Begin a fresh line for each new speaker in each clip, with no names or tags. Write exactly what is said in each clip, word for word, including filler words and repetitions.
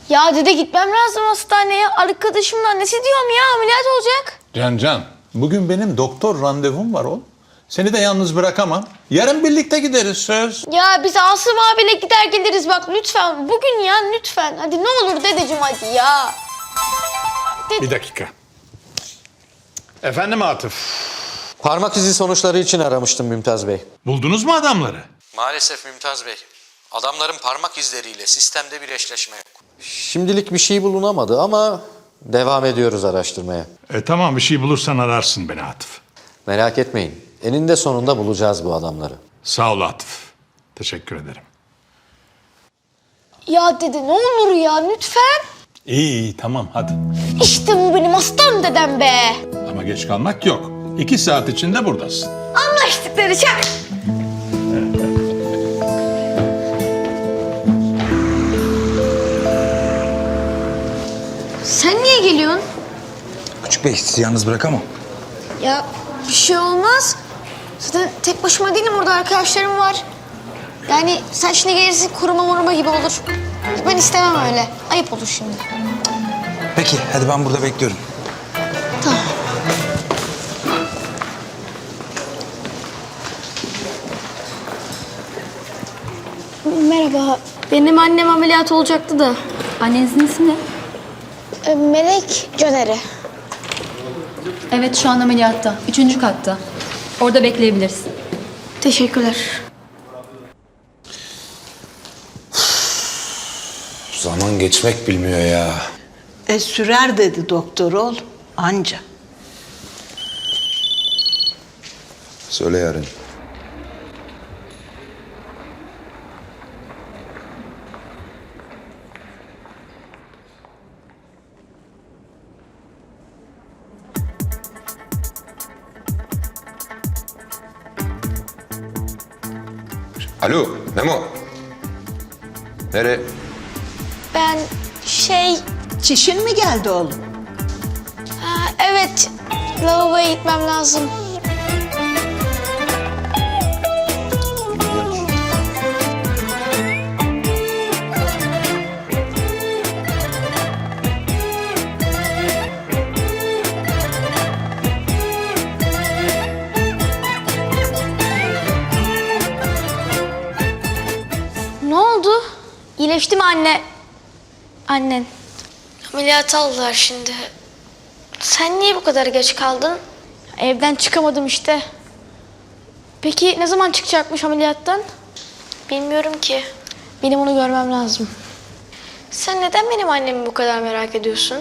Ya dede gitmem lazım hastaneye. Arkadaşımın annesi diyorum ya ameliyat olacak.
Can Can, bugün benim doktor randevum var oğlum. Seni de yalnız bırakamam. Yarın birlikte gideriz söz.
Ya biz Asım abiyle gider geliriz bak lütfen. Bugün ya lütfen. Hadi ne olur dedeciğim hadi ya.
Bir dakika. Efendim Atıf,
Parmak izi sonuçları için aramıştım Mümtaz Bey.
buldunuz mu adamları?
Maalesef Mümtaz Bey. Adamların parmak izleriyle sistemde bir eşleşme yok. Şimdilik bir şey bulunamadı ama devam ediyoruz araştırmaya.
E tamam, bir şey bulursan ararsın beni Atıf.
Merak etmeyin. Eninde sonunda bulacağız bu adamları.
Sağ ol Atıf. Teşekkür ederim.
Ya dede ne olur ya lütfen.
İyi iyi tamam hadi.
İşte bu benim aslan dedem be.
Ama geç kalmak yok. İki saat içinde buradasın.
Anlaştık dede çak. Sen niye geliyorsun?
Küçük Bey sizi yalnız bırakamam.
Ya bir şey olmaz. Zaten tek başıma değilim orada arkadaşlarım var. Yani sen şimdi gelirsin koruma moruma gibi olur. Ben istemem öyle. Ayıp olur şimdi.
Peki hadi ben burada bekliyorum.
Tamam. Merhaba. Benim annem ameliyat olacaktı da.
Annenizin ismi ne?
E, Melek Caner'i.
Evet, şu an ameliyatta. Üçüncü katta. Orada bekleyebilirsin.
Teşekkürler.
Zaman geçmek bilmiyor ya.
E sürer dedi doktor oğlum. Anca.
Söyle yarın.
Alo, Memo. Nereye?
Ben şey...
Çişin mi geldi oğlum?
Ha, evet. Lavaboya gitmem lazım. Ne oldu? İyileşti mi anne? Annen. Ameliyat aldılar şimdi. Sen niye bu kadar geç kaldın? Evden çıkamadım işte. Peki ne zaman çıkacakmış ameliyattan? Bilmiyorum ki. Benim onu görmem lazım. Sen neden benim annemi bu kadar merak ediyorsun?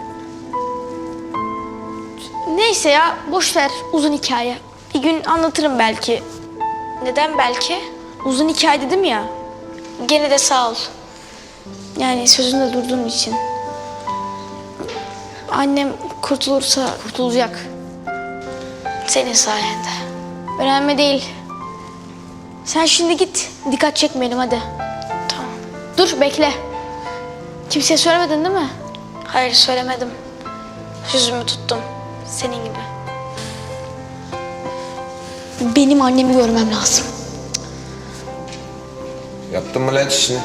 Neyse ya boş ver uzun hikaye. Bir gün anlatırım belki. Neden belki? Uzun hikaye dedim ya. Gene de sağ ol. Yani sözünde durduğum için. Annem kurtulursa kurtulacak. Senin sayende. Önemli değil. Sen şimdi git. Dikkat çekmeyelim hadi. Tamam. Dur bekle. Kimseye söylemedin değil mi? Hayır söylemedim. Yüzümü tuttum. Senin gibi. Benim annemi görmem lazım.
Yaptın mı lan işini?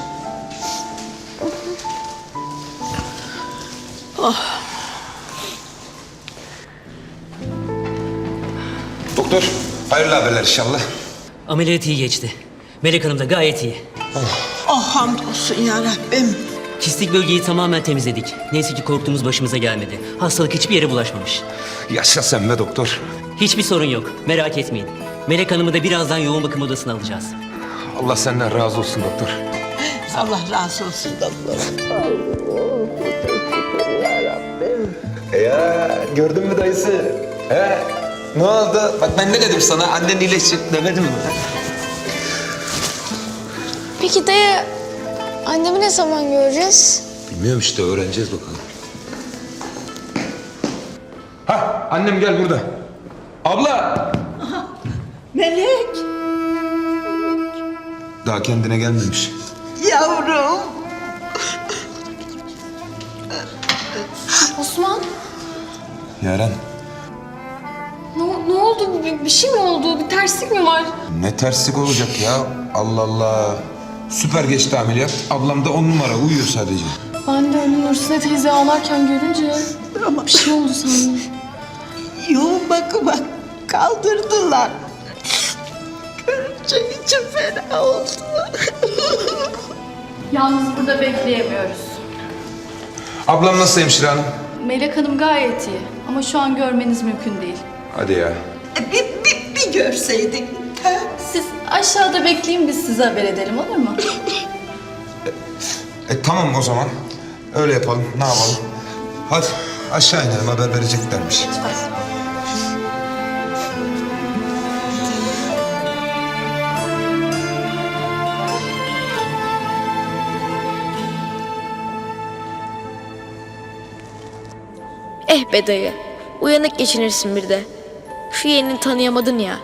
Doktor, hayırlı haberler inşallah.
Ameliyat iyi geçti. Melek Hanım da gayet iyi.
Oh hamdolsun ya Rabbim.
Kistik bölgeyi tamamen temizledik. Neyse ki korktuğumuz başımıza gelmedi. Hastalık hiçbir yere bulaşmamış.
Yaşa sen be doktor.
Hiçbir sorun yok. Merak etmeyin. Melek Hanım'ı da birazdan yoğun bakım odasına alacağız.
Allah senden razı olsun doktor.
Allah razı olsun doktor.
Ya gördün mü dayısı? He? Ne oldu? Bak ben ne dedim sana? Annen iyileşecek demedim mi?
Peki dayı, annemi ne zaman göreceğiz?
Bilmiyorum işte öğreneceğiz bakalım. Ha annem gel burada. Abla!
Melek,
Daha kendine gelmemiş.
yavrum.
Osman,
Yaren.
ne, ne oldu? Bir, bir şey mi oldu? Bir terslik mi var?
Ne terslik olacak ya? Allah Allah. Süper geçti ameliyat. Ablam da on numara uyuyor sadece.
Ben de öyle Nursine teyze ağlarken görünce bir şey oldu sandım.
Yoğun bakıma kaldırdılar. Görünce içim fena oldu.
Yalnız burada bekleyemiyoruz.
Ablam nasıl hemşire hanım?
Melek Hanım gayet iyi ama şu an görmeniz mümkün değil.
Hadi ya.
E, Bir, bir, bir görseydik. Ha?
Siz aşağıda bekleyin, biz size haber edelim, olur mu?
E tamam o zaman. Öyle yapalım. Ne yapalım? Hadi aşağı inelim, haber vereceklermiş.
Eh be dayı. Uyanık geçinirsin bir de. Şu yeğenini tanıyamadın ya.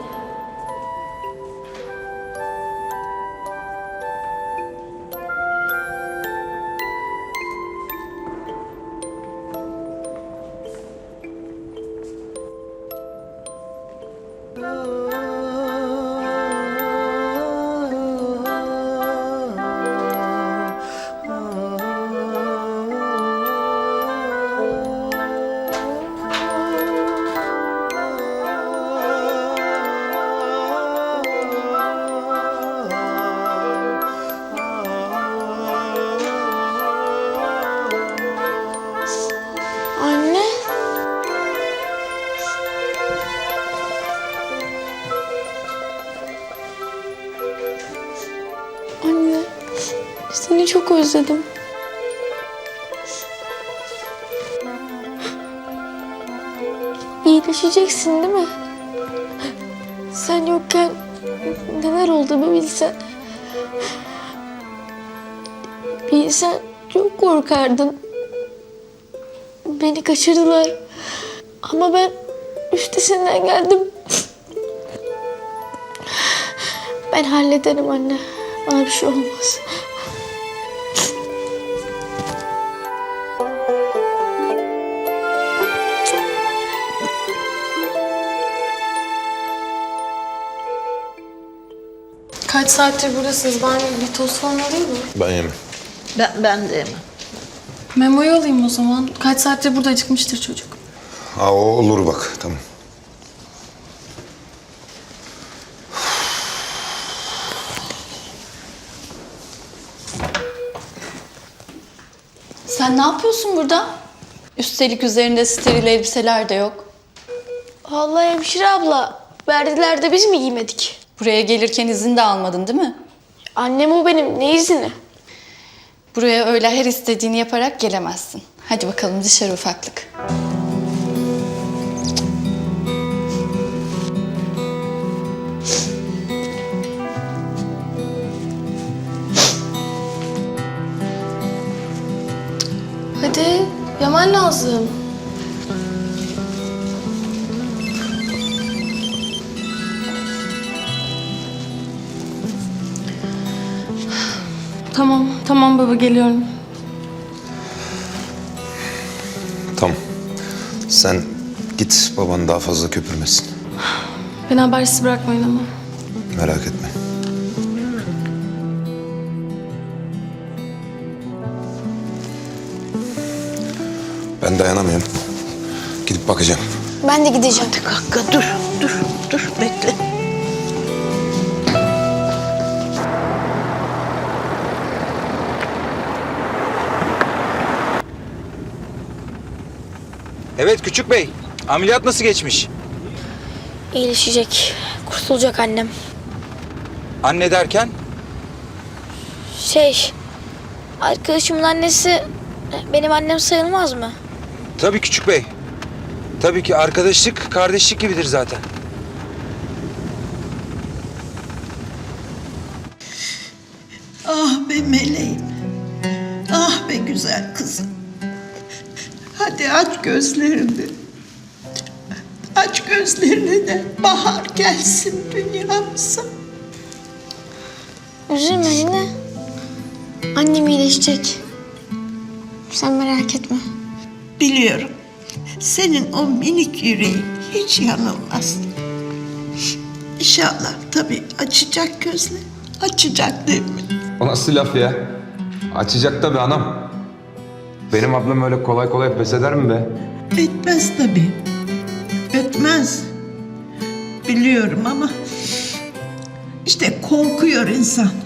Anne. Anne. Seni çok özledim. İyileşeceksin değil mi? Sen yokken neler oldu bir bilsen. Bilsen çok korkardın. Beni kaçırdılar. Ama ben üstesinden geldim. Ben hallederim anne. Bana bir şey olmaz.
Kaç saattir buradasınız? Ben bir tost falan alayım mı?
Ben yemem.
Ben, ben de yemem.
Memo'yu alayım o zaman. Kaç saattir burada acıkmıştır çocuk.
Ha o olur bak, tamam.
Sen ne yapıyorsun burada? Üstelik üzerinde steril elbiseler de yok.
Vallahi hemşire abla. Verdiler de biz mi giymedik?
Buraya gelirken izin de almadın değil mi?
Annem o benim. Ne izini?
Buraya öyle her istediğini yaparak gelemezsin. Hadi bakalım dışarı ufaklık.
Hadi, yemen lazım. Tamam, tamam baba geliyorum.
Tamam. Sen git, baban daha fazla köpürmesin.
Beni habersiz bırakmayın ama.
Merak etme. Ben dayanamıyorum. Gidip bakacağım.
Ben de gideceğim.
Kanka dur, dur, dur bekle.
Evet küçük bey. Ameliyat nasıl geçmiş?
İyileşecek. Kurtulacak annem.
Anne derken?
Şey, arkadaşımın annesi benim annem sayılmaz mı?
Tabii küçük bey. Tabii ki arkadaşlık, kardeşlik gibidir zaten.
Ah be meleğim. Ah be güzel kızım. Hadi aç gözlerini. Aç gözlerini de bahar gelsin dünyamıza.
Üzülme anne. Annem iyileşecek. Sen merak etme.
Biliyorum. Senin o minik yüreğin hiç yanılmaz. İnşallah tabii açacak gözleri. Açacak değil mi?
O nasıl laf ya? Açacak tabii anam. Benim ablam öyle kolay kolay pes eder mi be?
Etmez tabii. Etmez. Biliyorum ama işte korkuyor insan.